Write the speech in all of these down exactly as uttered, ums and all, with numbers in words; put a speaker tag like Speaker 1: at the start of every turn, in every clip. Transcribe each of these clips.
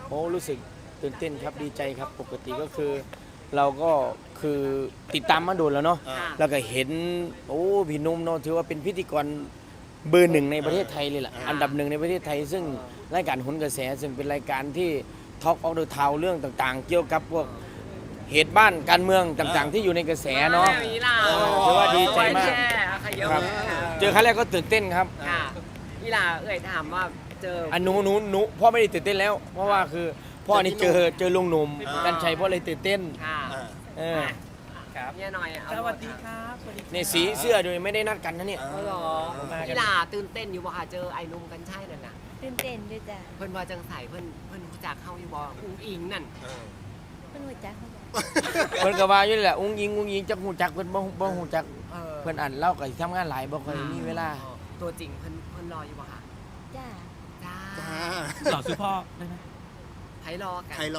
Speaker 1: โอ้รู้สึกตื่นเต้นครับดีใจครับปกติก็คือ เราก็คือติดตามมาโดนแล้วเนาะ
Speaker 2: อ่า
Speaker 1: แล้วก็เห็นโอ้พี่หนุ่มเนาะถือว่าเป็นพิธีกรเบอร์หนึ่งในประเทศไทยเลยล่ะอันดับหนึ่งในประเทศไทย ซึ่งรายการโหนกระแสซึ่งเป็นรายการที่ทอล์กออฟเดอะทาวเรื่องต่างๆ เกี่ยวกับพวกเหตุบ้านการเมืองต่างๆ ที่อยู่ในกระแสเนาะ
Speaker 2: แบบนี้ล่ะ
Speaker 1: ถือว่าดีใจมาก
Speaker 2: แช่ค่ะเยอะ
Speaker 1: ครับ
Speaker 2: ค่ะ
Speaker 1: เจอครั้งแรกก็ตื่นเต้นครับ
Speaker 2: ค่ะนี่ล่ะเอ่ยถามว่าเจอ
Speaker 1: อันหนูหนูหนูพ่อไม่ได้ตื่นเต้นแล้ว เพราะว่าคือพ่อนี่เจอเจอลุงหนุ่มกันชัยพ่อเลยตื่นเต้น
Speaker 2: ค่ะ
Speaker 3: อ่า
Speaker 1: เออ
Speaker 4: ครับ
Speaker 2: เนี่ยหน่อยเอา
Speaker 4: สวัสดีครับสวัสดีครับ
Speaker 1: ในสีเสื้อโดยไม่ได้นัดกันนะเนี่ย
Speaker 2: เอาเหรอ
Speaker 4: มากัน
Speaker 2: นี่ล่ะตื่นเต้นอยู่บ่ค่ะเจอไอ้หนุ่มกันใช่นั่นน่ะ
Speaker 5: ตื่นเต้นด้วยจ้ะ
Speaker 2: เพิ่นว่าจังใสเพิ่นเพิ่นรู้จักเข้าอยู่บ่อุ้งอิงนั่น
Speaker 3: เออ
Speaker 5: เพิ่นหัวจักเขาบอก
Speaker 1: เพิ่นก็ว่าอยู่นี่แหละอุ้งยิงอุ้งยิงจักหูจักเพิ่นบ่บ่หูจัก
Speaker 2: เออ
Speaker 1: เพิ่นอ่านเล่าก็สิทำงานหลายบ่ค่อยมีเวลา
Speaker 2: ตัวจริงเพิ่นเพิ่นรออยู่บ่ค่ะ
Speaker 5: จ้า
Speaker 2: จ้า
Speaker 3: จ้า
Speaker 4: หล่อซื้อพ่อได้ไหม
Speaker 2: ไผรอกัน
Speaker 3: ใครลอง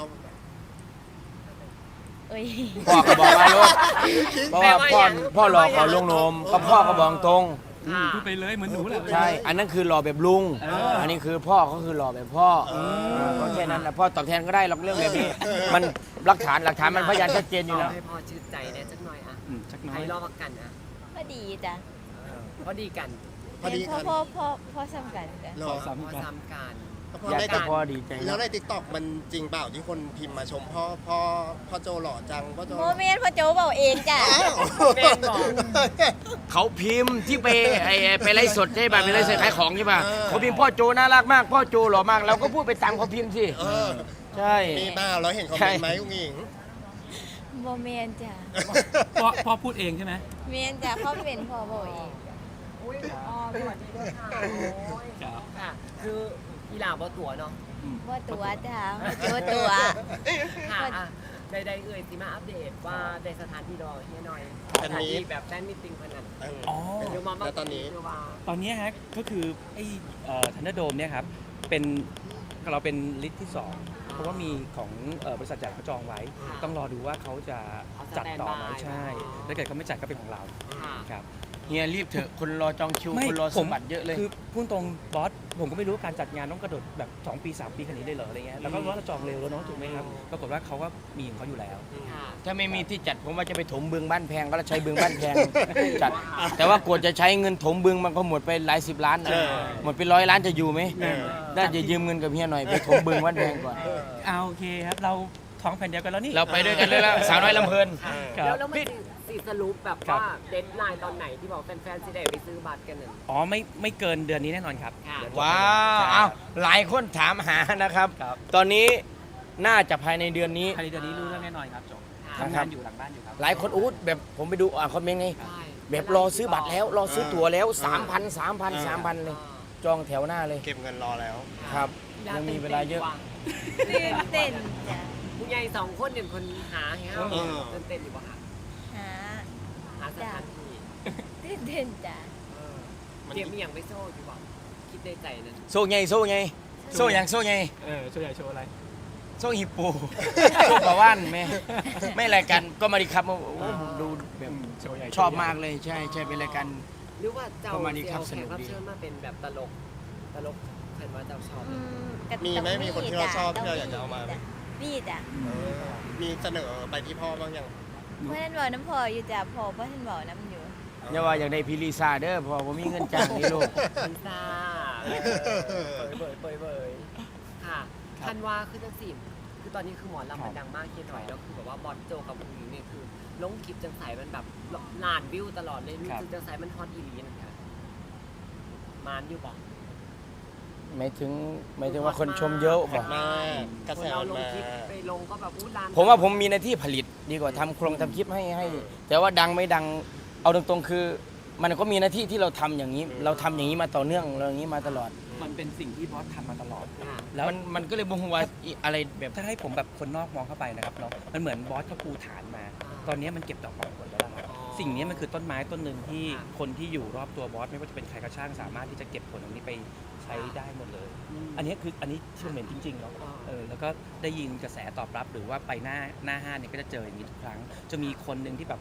Speaker 5: เอ้ย
Speaker 1: พ่อก็บอกว่าลูกเพราะว่าพ่อพ่อหลอกเขาลุงหนมก็พ่อก็บอกตรง
Speaker 2: ค่ะ
Speaker 4: พูดไปเลยเหมือนหนูแหละ
Speaker 1: ใช่ อันนั้นคือหล่อแบบลุง
Speaker 4: เอออั
Speaker 1: อันนี้คือพ่อเขาคือหล่อแบบพ่อก็แค่นั้นแหละพ่อตอบแทนก็ได้หรอกเรื่องแบบนี้ มันหลักฐานหลักฐานมันพยานชัดเจนอยู่แล้ว
Speaker 2: ให้พ่อชื่นใจเนี่ยจักหน่อยอ่ะ
Speaker 4: อืมชักน้อ
Speaker 2: ไผ
Speaker 4: ย
Speaker 2: รอกันอ่ะ
Speaker 5: พอดีจ้ะ
Speaker 2: พอดีกัน
Speaker 3: พอดี
Speaker 5: พ่
Speaker 3: กั
Speaker 5: อน พ่อพ่อพ่อซ้ำกันจ้ะ
Speaker 3: ร
Speaker 4: ข
Speaker 3: อ
Speaker 4: อ
Speaker 2: พ
Speaker 4: ซ้ำ
Speaker 2: อ
Speaker 4: กัน
Speaker 2: ซ้ำกัน
Speaker 3: พอ
Speaker 1: อยาก
Speaker 3: ได้
Speaker 1: แต่พ่อดีใจ
Speaker 3: แล้ว
Speaker 1: นะ
Speaker 3: ในติ๊กต็อกมันจริงเปล่าที่คนพิมพ์มาชมพ่อพ่อพ่อโจหล่อจังพ่อโจ
Speaker 5: โมเมนต์พ่อโจเบาเองจ้ะ
Speaker 3: อ้าว
Speaker 2: แม่นบอก
Speaker 1: เขาพิมพ์ที่ไปไอ้ไปไลฟ์สดใช่ป่ะไปไลฟ์สดขายของใช่ป่ะเขาพิมพ์พ่อโจน่ารักมาก พ่อโจหล่อมากเราก็พูดไปตามเขาพิมพ์สิ
Speaker 3: เออ
Speaker 1: ใช่
Speaker 3: มีเปล่าเราเห็นคอมเมนต์ไหมอุ้งอิง
Speaker 5: โมเมนต์จ้ะ
Speaker 4: พ่อพ่อพูดเองใช่ไหม
Speaker 5: เมนจ้ะพ่อเป็นพ่อเบาเอง
Speaker 2: อุ้ยอ๋อสวัสดีด้วยค่ะโอ้ย
Speaker 4: ครับ
Speaker 2: ค่ะ คืออีหลาบ่ตัวเนาะ
Speaker 5: ว่าตัวจ้ะพ่อโจตัว
Speaker 2: ค่ะอ่ะได้ได้เอ่ยสิมาอัปเดตว่าในสถานที่รอเฮียหน่อยสถานที่แบบแฟนมิตติ้งพนัน
Speaker 3: เออ
Speaker 4: อ๋อ
Speaker 2: เดี๋ยวมา
Speaker 3: แล้วตอนนี้
Speaker 2: เดี๋ยวมา
Speaker 4: ตอนนี้ฮะก็คือไอ้ทันเดอร์โดมเนี่ยครับเป็นเราเป็นลิสต์ที่สองเพราะว่ามีของเอ่อบริษัทจัดเขาจองไว้ ต้องรอดูว่าเขาจะจัดต่อไหมใช่ถ้าเกิดเขาไม่จัดก็เป็นของเรา
Speaker 2: ค่ะ
Speaker 4: ครับ
Speaker 1: เฮียรีบเถอะคนรอจองคิวคนรอสมบัติเยอะเลย
Speaker 4: คือพูดตรงบอสผมก็ไม่รู้ว่าการจัดงานต้องกระโดดแบบสองปีสามปีขนาดนี้ได้เหรออะไรเงี้ยแล้วก็ว่าเราจองเร็วแล้วเนาะถูกไหมครับปรากฏว่าเขาก็มีของเขาอยู่แล้ว
Speaker 2: ค่ะ
Speaker 1: ถ้าไม่มีที่จัดผมว่าจะไปถมบึงบ้านแพงก็แล้วใช้บึงบ้านแพง จัด แต่ว่ากว่าจะใช้เงินถมบึงมันก็หมดไปหลายสิบล้านนะหมดไปร้อยล้านจะอยู่ไหมน่าจะยืมเงินกับเฮียหน่อยไปถมบึงบ้านแพงก่อน
Speaker 4: เอาโอเคครับเราท้องแผ่นเดียวกันแล้วนี่
Speaker 1: เราไปด้วยกันเลยละสาวน้อยลำเพลิน
Speaker 4: ครับ
Speaker 2: แล้วแล้วมันสิสิสรุปแบบ
Speaker 4: ครับ
Speaker 2: ว่าเดทไลน์ตอนไหนที่บอกแฟนๆสิได้ไปซื้อบัตรกันน่ะ
Speaker 4: อ๋อไม่ไม่เกินเดือนนี้แน่นอนครับ
Speaker 2: ค่ะ
Speaker 4: เดี๋ยจบ
Speaker 1: ว้าว
Speaker 4: ใช่
Speaker 1: อ้าวหลายคนถามหานะครับ
Speaker 4: ครับ
Speaker 1: ตอนนี้น่าจะภายในเดือนนี้
Speaker 4: ภายในเดือนนี้รู้เรื่องแน่นอนครับจบ
Speaker 2: ครับ
Speaker 4: ทำงานอยู่หลังบ้านอยู่ครับ
Speaker 1: หลายคนอู้แบบผมไปดูอ่านคอมเมนต์ไง
Speaker 2: ใช่
Speaker 1: แบบรอซื้อบัตรแล้ว รอซื้อตั๋วแล้วสามพันสามพันสามพันเลย จองแถวหน้าเลย
Speaker 3: เก็บเงินรอแล้ว
Speaker 1: ครับ ยังมีเวลาเยอะ
Speaker 5: ตื่นเต้นจ้ะ
Speaker 2: ผู้ใหญ่สองคนเนี่ยคนหาให้เฮา
Speaker 3: เออ
Speaker 2: ตื่นเต้นอยู่บ่คะ
Speaker 5: หา
Speaker 2: หาสถานที่
Speaker 5: ตื่นเต้นจ้ะ
Speaker 2: เออเตรียมมีอย่างไปโซ่อยู่บ่คิดในใจนั้น
Speaker 1: โซ่ไงโซ่ไงโซ่อย่างโซ่ไง
Speaker 4: เออช่วยใหญ่โชว์อะไร
Speaker 1: โซ่ฮิปโป โซ่ปลาว่านไหมไม่รายการก็มาดีครับโอ้โหผมดูแบบ
Speaker 4: โชว์ใหญ่
Speaker 1: ชอบมากเลยใช่ใช่เป็นรายการ
Speaker 2: หรือว่าเจ้า
Speaker 1: ประมาณนี้
Speaker 2: เซล
Speaker 1: ครับ
Speaker 2: ล์
Speaker 1: ส
Speaker 2: แข
Speaker 1: นุ
Speaker 2: ก
Speaker 1: ก
Speaker 2: รับ
Speaker 1: ดี
Speaker 2: เชิญมาเป็นแบบตลกตลกเห็นว่าเจ้าชอบ
Speaker 5: อืมก็
Speaker 3: มีไหม
Speaker 5: ต้อง
Speaker 3: มีคนที่เราชอบที่เรา
Speaker 5: จ้ะ
Speaker 3: อยากจะเอามาไหม
Speaker 5: จ้ะมีจ้ะ
Speaker 3: เออมีเสนอไปที่พ่อบ้างยัง
Speaker 5: เมื่อนั้นบอกน้ำพออยู่จ้ะพอเพื่อนบอกน้ำอยู่
Speaker 1: อย่าว่าอยากได้พิลิซาเด้อเพอผมมีเงินจ้างนี่ลูก
Speaker 2: พิซซ่าเบยเบยเบยเบยค่ะทันว่าคือจังสิคือตอนนี้คือหมอลำมันดังมากเคียนหน่อยแล้วคือแบบว่าบอลโจกับผู้หญิงเนี่ยคือลงคลิปจังใสมันแบบล้านวิวตลอดเลยรู้สึกจังใสมันฮอตอีหลีนะคะมานอยู่บอก
Speaker 1: หมายถึงหมายถึงว่าคนชมเยอะบอก
Speaker 3: มากระ
Speaker 2: ค
Speaker 3: แส
Speaker 2: นเรา
Speaker 3: มัน
Speaker 2: ลง
Speaker 3: มา
Speaker 2: คลิปไปลงก็แบบอู้ล้าน
Speaker 1: ผมว่าผมมีหน้าที่ผลิตดีกว่าทำโครงทำคลิปให้ให้ แต่ว่าดังไม่ดังเอาตรงๆคือ มันก็มีหน้าที่ที่เราทำอย่างนี้ เราทำอย่างนี้มาต่อเนื่องเราอย่างนี้มาตลอด
Speaker 4: มันเป็นสิ่งที่บอสทำมาตลอด
Speaker 2: ค่ะ
Speaker 4: แล้ว
Speaker 1: มันมันก็เลยบ่งว่าอีอะไรแบบ
Speaker 4: ถ้าให้ผมแบบคนนอกมองเข้าไปนะครับเนาะมันเหมือนบอสเขาปูฐานมา ตอนนี้มันเก็บดอกออกผลแล้วนะครับสิ่งนี้มันคือต้นไม้ต้นหนึ่งที่คนที่อยู่รอบตัวบอสไม่ว่าจะเป็นใครก็ช่างสามารถที่จะเก็บผลตรงนี้ไปใช้ได้หมดเลย อันนี้คืออันนี้ที่ผมเห็นจริงๆเนาะเออแล้วก็ได้ยินกระแสตอบรับหรือว่าไปหน้าหน้าห้างเนี่ยก็จะเจออย่างนี้ทุกครั้ง จะมีคนหนึ่งที่แบบ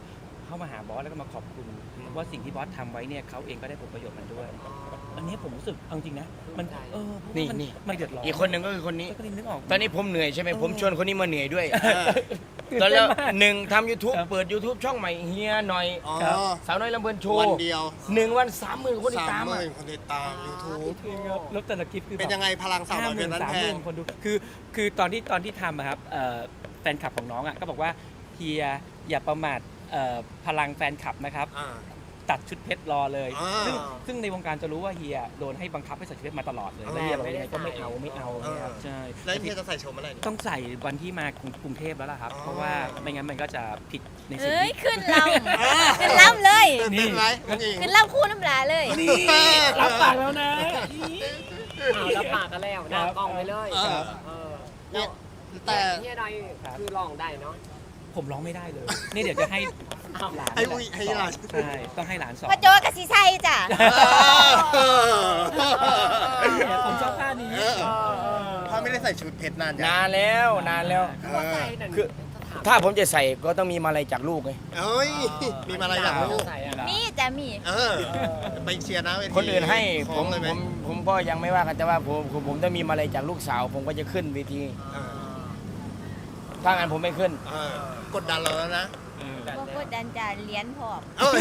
Speaker 4: เข้ามาหาบอสแล้วก็มาขอบคุณว่าสิ่งที่บอสทำไว้เนี่ยเขาเองก็ได้ผลประโยชน์มันด้วย อันนี้ผมรู้สึกเอาจริงนะมันเออเพราะว่ามัน
Speaker 1: นี่
Speaker 4: ไม่เดือดร้อน
Speaker 1: อีกคนหนึ่งก็คือคนนี้
Speaker 4: ก็เลยนึกออก
Speaker 1: ตอนนี้ผมเหนื่อยใช่ไหม
Speaker 4: เออ
Speaker 1: ผมชวนคนนี้มาเหนื่อยด้วย
Speaker 4: ตื่น
Speaker 1: ตอน
Speaker 4: เต้
Speaker 1: แล้
Speaker 4: น
Speaker 1: ว
Speaker 4: มาก
Speaker 1: หนึ่งทำ YouTube
Speaker 4: ครับ
Speaker 1: เปิด YouTube ช่องใหม่เฮียหน่อย
Speaker 3: อ๋อ
Speaker 4: ครับ
Speaker 1: สาวน้อยลำเพลินโชว์
Speaker 3: วันเดียว
Speaker 1: หนึ่งวันสามหมื่นคนติด
Speaker 3: สาม
Speaker 1: ตาม
Speaker 3: ห
Speaker 1: อะ
Speaker 3: มื่นคนติดตาม YouTube
Speaker 4: จริงครับแล้วแต่ละคลิปคือ
Speaker 3: เป็นยังไงพลังสาวน้อยเป็นนั้น
Speaker 4: สาม
Speaker 3: แพ
Speaker 4: หมื่
Speaker 3: ง
Speaker 4: นคนดูคือคือตอนที่ตอนที่ทำอะครับเอ่อแฟนคลับของน้องอ่ะก็บอกว่าเฮียอย่าประมาทเอ่อพลังแฟนคลับนะครับ
Speaker 3: อ่า
Speaker 4: ตัดชุดเพชรรอเลย
Speaker 3: อ่า
Speaker 4: ซึ่งซึ่งในวงการจะรู้ว่าเฮียโดนให้บังคับให้ใส่ชุดเพชรมาตลอดเลย
Speaker 3: อ่า
Speaker 4: แล้วเฮียบอกยังไงก็ไม่เอาไม่เอาเนี่ยครับใช่
Speaker 3: แล้วเฮียจะใส่ชมอะไรเนี่ย
Speaker 4: ต้องใส่วันที่มากรุงเทพแล้วล่ะครับ
Speaker 3: อ๋อ
Speaker 4: เพราะว่าไม่งั้นมันก็จะผิดในสิ่ง
Speaker 5: เอ้ย
Speaker 4: ที่
Speaker 5: ขึ้นลำขึ้นลำเลย
Speaker 3: ตื่นเต้นไหมน้องหญิง
Speaker 5: ขึ้นลำคู่น้ำลาเลย
Speaker 4: รับปากแล้วนะ
Speaker 2: เอาแล้วปากกันแล้วหน้ากล้องไปเลย
Speaker 3: เออ
Speaker 2: เออ
Speaker 3: เนี่
Speaker 2: แล้
Speaker 3: ยว แต่
Speaker 2: เฮียดอยคือลองได้เนาะ
Speaker 4: ผมร้องไม่ได้เลย นี่เดี๋ยวจะให้หลาน
Speaker 3: ให้อุ้ยให้หลาน
Speaker 4: ใช่ต้องให้หลานสอน
Speaker 5: พ่อโจกับสีไซจ้ะ
Speaker 4: เนี่ยผมชอบท่านี้
Speaker 3: เออพ่อไม่ได้ใส่ชุดเพชรนานยัง
Speaker 1: นานแล้วนานแล้ว
Speaker 3: เอ
Speaker 2: ว่า
Speaker 3: อ
Speaker 2: ใส่นั่น
Speaker 1: คือ ถ้าผมจะใส่ก็ต้องมีมาลัยจากลูกไง
Speaker 3: เอ้ย มีมาอะไรอยากรู้
Speaker 2: ใส่อะ
Speaker 5: มีจ้ะมี
Speaker 3: เออ ไปเชียร์นะเวที
Speaker 1: คนอื่นให้
Speaker 3: ข
Speaker 1: ผ
Speaker 3: อง
Speaker 1: ม
Speaker 3: เลยไหม
Speaker 1: ผมผมก็ยังไม่ว่ากันแต่ว่าผมผมผมต้องมีมาลัยจากลูกสาว ผมก็จะขึ้นเวที
Speaker 3: เออ
Speaker 1: ถ้างั้นผมไม่ขึ้น
Speaker 3: เออกดดันเราแล้วนะ
Speaker 5: บ่กดดันจ้ะเลี้ยนพร้อม
Speaker 3: เอ้ย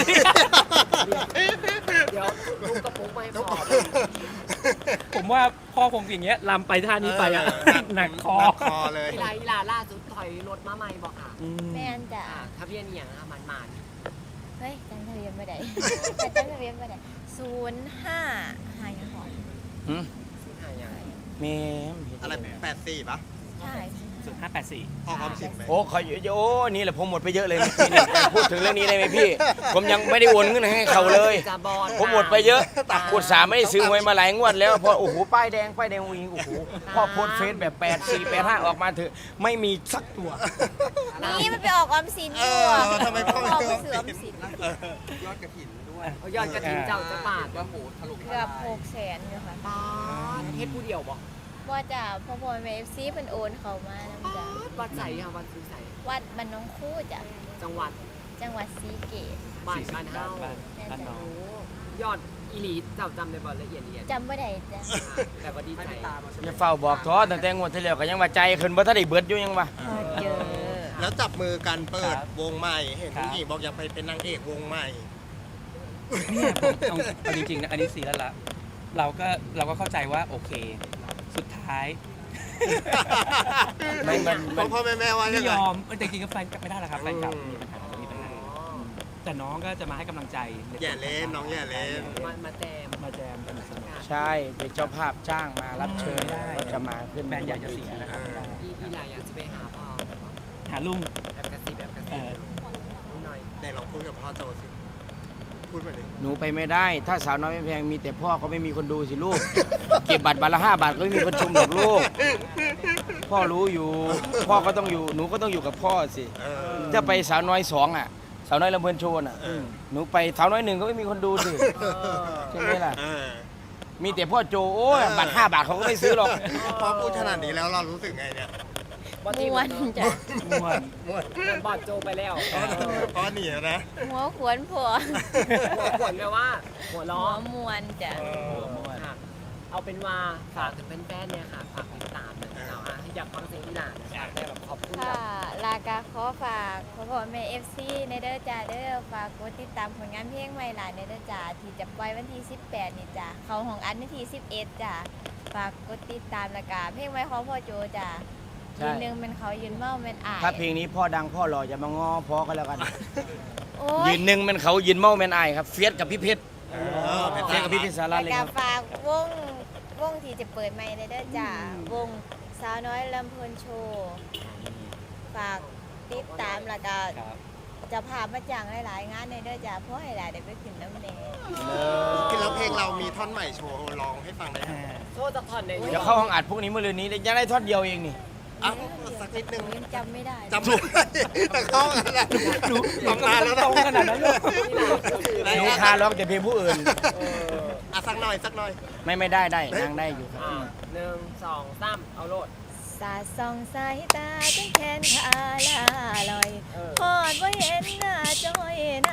Speaker 2: เดี๋ยวลูกกระปุกไม่พอ
Speaker 4: ผมว่าพ่อคงอย่างเงี้ยลำไปท่านี้ไปอ่ะ
Speaker 3: เออ
Speaker 4: หนักคอ
Speaker 3: หนักคอเลย
Speaker 2: อีลาอีลาล่าสุดถอยรถมาใหม่บอกค่ะ
Speaker 4: อืม
Speaker 5: แม่นจ้ะ
Speaker 2: อ่าทะเบียนอหย่างอะมันมัน
Speaker 5: เฮ้ยจำทะเบียนไม่ได้ จำทะเบียนไม่ได้ศูนย์ห้าห้ายังหอม
Speaker 1: หืม
Speaker 2: สุดท้ายอย่าง
Speaker 1: แม่
Speaker 3: อะไรแปดสี่ปะ
Speaker 5: ใช่
Speaker 4: ศูนย์ห้าแปดสี่
Speaker 3: ออกความสินไหม
Speaker 1: โอ้ขอโอ้นี่แหละผมหมดไปเยอะเลยเมื่อกี้เนี่ยพูดถึงเรื่องนี้ได้ไหมพี่ ผมยังไม่ได้โอนเงินให้เขาเลย
Speaker 2: จะบอล
Speaker 1: ผมหมดไปเยอะกดสามไม่ได้ซื้อหวยมาหลายงวดแล้วพอโอ้โหป้ายแดงป้ายแดงวิงโอ้โหพ่อโพสต์เฟซแบบแปดสี่แปดห้าออกมาเถอะไม่มีสักตัว
Speaker 5: นี่มันไปออกออมสินอยู่
Speaker 3: เออทำไมพ่อไม่
Speaker 5: ออก
Speaker 3: ซื้อ
Speaker 5: ไปซื้อออมสิน
Speaker 2: เอายอดกระถิ่นเจ้าจะปาดว่าโหถล่ม
Speaker 5: เกือบหกแสนอยู่ค่ะ
Speaker 2: ปาดเฮ็ดผู้เดียวบอก
Speaker 5: ว่าจ้ะพ่อพ่อแม่เอฟซีเป็นโอนเขามานะ
Speaker 2: ปา
Speaker 5: จ้ะ
Speaker 2: ดวัดใส่ค่ะวัดซื้อใส่
Speaker 5: วัดบ้านน้องคู่จ้ะ
Speaker 2: จังหวัด
Speaker 5: จังหวัดศรีเกษ
Speaker 2: บ้านบ้านเฮา
Speaker 4: บ้านบ้านน้อง
Speaker 2: โอ้ยอดอีหลีเจ้าจำได้บ่ละเอียดละเอียด
Speaker 5: จำไม่ได้จ้ะ
Speaker 2: แต่ว่าดีใจ
Speaker 1: อย่าเฝ้าบอกท้อตั้งแต่งวดที่แล้วก็ยังว่าใจขึ้นบ่ทันได้เบิดอยู่ยังว่า
Speaker 5: เจอ
Speaker 3: แล้วจับมือกันเปิด
Speaker 4: ครับ
Speaker 3: วงใหม่ เห็น
Speaker 4: ครับ
Speaker 3: ผู้หญิงบอกอยากไปเป็นนางเอกวงใหม่
Speaker 4: เนี่ยผมเอาเอาจริงๆนะอันนี้สีแล้วละเราก็เราก็เข้าใจว่าโอเค สุดท้าย
Speaker 1: ไม่มัน
Speaker 3: พ่
Speaker 1: มั
Speaker 3: อน พ่อแม่แม่ว่า
Speaker 4: ไม่
Speaker 3: ยังไง
Speaker 4: ยอมเออแต่จริงๆก็แฟนกลับไม่ได้หรอกครับแฟนกลับ
Speaker 3: อืม
Speaker 4: มีปัญหามีปัญหาแต่น้องก็จะมาให้กำลังใจ
Speaker 3: อย่าเล่นน้องอย่าเล่น
Speaker 2: มามาแจม
Speaker 4: มาแจมกันสนุก
Speaker 1: ใช่เป็นเจ้าภาพจ้างมารับเชิญ
Speaker 4: ได้
Speaker 1: ก็จะมาขึ้น
Speaker 4: แฟนอยากจะเสียนะครับไม่ได้
Speaker 2: อีอีหลายอยากจะไปหาพ่อ
Speaker 4: หาลุง
Speaker 2: แบบกระซิบแบบกระ
Speaker 4: เอ
Speaker 2: ซิบ
Speaker 4: อ
Speaker 2: หน่อย
Speaker 3: ไหนลองพูดกับพ่อโจสิ พูดมาดิ
Speaker 1: หนูไปไม่ได้ ถ้าสาวน้อยไม่แพงมีแต่พ่อก็ไม่มีคนดูสิลูก เก็บบัตรบัตรละห้าบาทก็ไม่มีคนชมหรอกลูก พ่อรู้อยู่ พ่อก็ต้องอยู่หนูก็ต้องอยู่กับพ่อสิ
Speaker 3: เออ
Speaker 1: ถ้าไปสาวน้อยสองอ่ะ สาวน้อยลำเพลินโชว์อ่ะ
Speaker 3: เออ
Speaker 1: หนูไปสาวน้อยหนึ่งก็ไม่มีคนดูสิใช่ไหมล่ะ
Speaker 3: เออ
Speaker 1: มีแต่พ่อโจโอ้ยบัตรห้าบาทเขาก็ไม่ซื้อหรอก
Speaker 3: พอพูดขนาดนี้แล้วเรารู้สึกไงเนี่ย
Speaker 2: บอที่
Speaker 5: ม้วนจ้ะ
Speaker 4: ม่วน
Speaker 3: ม่วน
Speaker 2: บอดโจไปแล้ว
Speaker 3: เพราะหนีนะ
Speaker 5: หัวขวนผัว
Speaker 2: หัวขวนแปลว่าหัว
Speaker 5: หั
Speaker 2: ล้อ
Speaker 5: วมวนจ้ะ
Speaker 4: ม่วน
Speaker 2: ค่ะ เอาเป็นว่าฝากถึงแฟนๆเนี่ยค่ะ ฝากติดตามหน่อยเราอ่ะอยากฟังเสียงอีหลานอยากได้แบบขอบคุณแบ
Speaker 5: ค่ะ
Speaker 2: บ
Speaker 5: ลากาขอฝากพ่อพ่อแม่เอฟซีในเด้อจ้าเด้อฝากกดติดตามผลงานเพลงใหม่หลานในเด้อจ้าที่จะปล่อยวันที่สิบแปดนี่จ้าเขาของอันวันที่สิบเอ็ดจ้าฝากกดติดตามและกาเพลงใหม่ของพ่อโจจ้า
Speaker 1: ใช่
Speaker 5: ยืนหนึ่งเป็นเขายืนเมาเป็นอาย
Speaker 1: ถ้าเพลงนี้พ่อดังพ่อหล่อจะมางอพ่อก็แล้วกัน
Speaker 5: โอ้
Speaker 1: ยื
Speaker 5: ย
Speaker 1: นหนึ่งเป็นเขายืนเมาเป็นไอายครับเฟียสกับพี่เพชร
Speaker 3: เออเป็น
Speaker 1: เฟียสกับพี่เพชรสาระ
Speaker 5: และ
Speaker 1: เลย
Speaker 5: กา
Speaker 1: ครับ
Speaker 5: ฝากวงวงที่จะเปิดใหม่ในเด้อจ้าวงสาวน้อยลำเพลินโชว์ฝากติดตามและกา
Speaker 4: ครับ
Speaker 5: จะพามาจังหลายๆงานในเด้อจ้าเพราะให้หลายได้ไปขึ้นน้ำแดง
Speaker 3: คือแล้วเพลงเรามีท่อนใหม่โชว์ร้องให้ฟังได้ไหม
Speaker 4: อ่า
Speaker 2: โทษจะผ่อนใน
Speaker 1: เดี๋ยวเข้าห้องอัดพวกนี้เมื่อรืนนี้ยังได้ท่อนเดียวเองนี่
Speaker 3: อ่ะสักนิดนึง
Speaker 5: ยังจำไม่ได้
Speaker 3: จำไม่ได้แต่เข้าอะไร
Speaker 4: หนู
Speaker 3: ตำนานแล้ว
Speaker 4: ตรงขนาดนั้นเลย
Speaker 1: หนูคาร้องแต่เพลงผู้อื่น
Speaker 3: อ่ะสักหน่อยสักหน่อย
Speaker 1: ไม่ไม่ได้ได้นางได้อยู่ครับ
Speaker 2: อ่าหนึ่งสองสามเอาโลด
Speaker 5: สาดส่องสายตาจนแขนขาลาลอย
Speaker 2: เออ
Speaker 5: พอดว่าเห็นหน้าจอย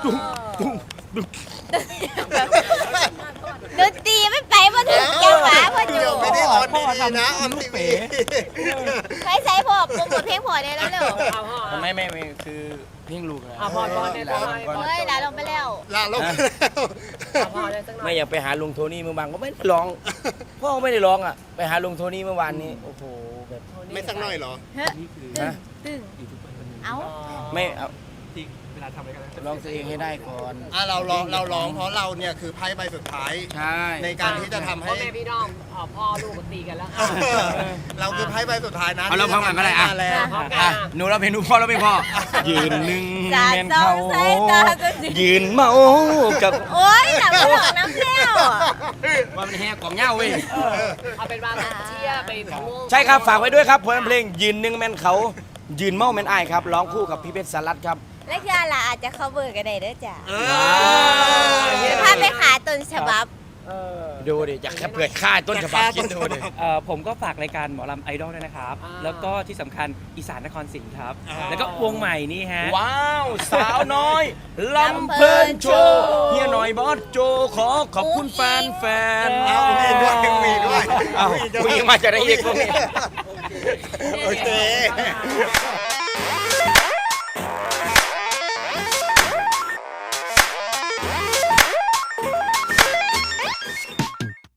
Speaker 5: ดนตรีไม่ไปมาถึงจังหวะพออยู่
Speaker 3: เดี๋ยวไม่ได้ออนดีๆนะออนทีวี
Speaker 5: ใช้ใช้พอโปรโมทเพลงพอได้แล้วเร็ว
Speaker 2: เอาพ่อ
Speaker 1: ไม่ไม่ไม่คือเพลงลูกนะ
Speaker 2: อ่ะพอพอเนี่ยพอ
Speaker 5: เฮ้ยลาลงไปแล้ว
Speaker 3: ลาลงแล้ว
Speaker 2: เอาพ่อได้สักหน่อย
Speaker 1: ไม่อยากไปหาลุงโทนี่เมื่อวานก็ไม่ได้ร้องพ่อก็ไม่ได้ร้องอ่ะไปหาลุงโทนี่เมื่อวานนี้โอ้โหแบบ
Speaker 3: ไม่สักหน่อยเหรอ
Speaker 5: เฮ้ย
Speaker 4: นี่คือ
Speaker 5: ตึง
Speaker 1: ฮะ
Speaker 5: ตึงเอ้า
Speaker 1: ไม่เอา
Speaker 4: ที่เวลาทำอะไรกัน
Speaker 1: ร้องตัวเองให้ได้ก่อน
Speaker 3: อ่ะเราร้องเราร้องเพราะเราเนี่ยคือไพ่ใบสุดท้าย
Speaker 1: ใช่
Speaker 3: ในการที่จะทำให้
Speaker 2: พ่อแม่พี่น้องอ๋อพ่อลูกก็ตีกันแล้วค่ะ
Speaker 3: เราคือไพ่ใบสุดท้ายนะ
Speaker 1: เอาเราพร้อมกันก็ได้อ่ะ
Speaker 3: มาแล้ว
Speaker 2: พร้อมกัน
Speaker 1: อ่ะหนูเราเพลงหนูพ่อเราเพลงพ่อยืนหนึ่ง
Speaker 5: สา
Speaker 1: แมน
Speaker 5: สอ
Speaker 1: เขา
Speaker 5: งสายตาก็สิ
Speaker 1: ยืนเมากับ
Speaker 5: โอ๊ยหลับไม่หลับน้ำแล้ว
Speaker 1: ว่ามันแห่กล่องเหย้าเว้ย
Speaker 2: เอาเป็นว่าเชียร์ไปทั้งวง
Speaker 1: ใช่ครับฝากไว้ด้วยครับผลงานเพลงยืนหนึ่งแมนเขายืนเมาแมนอายครับร้องคู่กับพี่เพชรสารัตครับ
Speaker 5: และคืออะไรอาจจะ cover กันได้เด้อจ้ะ
Speaker 3: เอ
Speaker 5: พาไปหาต้นฉบับ
Speaker 2: เออ
Speaker 1: ดูดิอยากแค่เผื่อค่าต้นฉบับคิดดูดิ
Speaker 4: เอ่อผมก็ฝากรายการหมอลำไอดอลด้วยนะครับ
Speaker 2: อ่า
Speaker 4: แล้วก็ที่สำคัญอีสานนครศรีครับ แล้วก็วงใหม่นี่ฮะ
Speaker 1: ว้าว สาวน้อยลำเพลินโชว์เฮียหน่อยบอสโจขอขอบคุณแฟนแฟน
Speaker 3: เอามีด้วยมีด้วย
Speaker 1: เอาคุยมาจากไหนอีกพวกนี้
Speaker 3: โอเค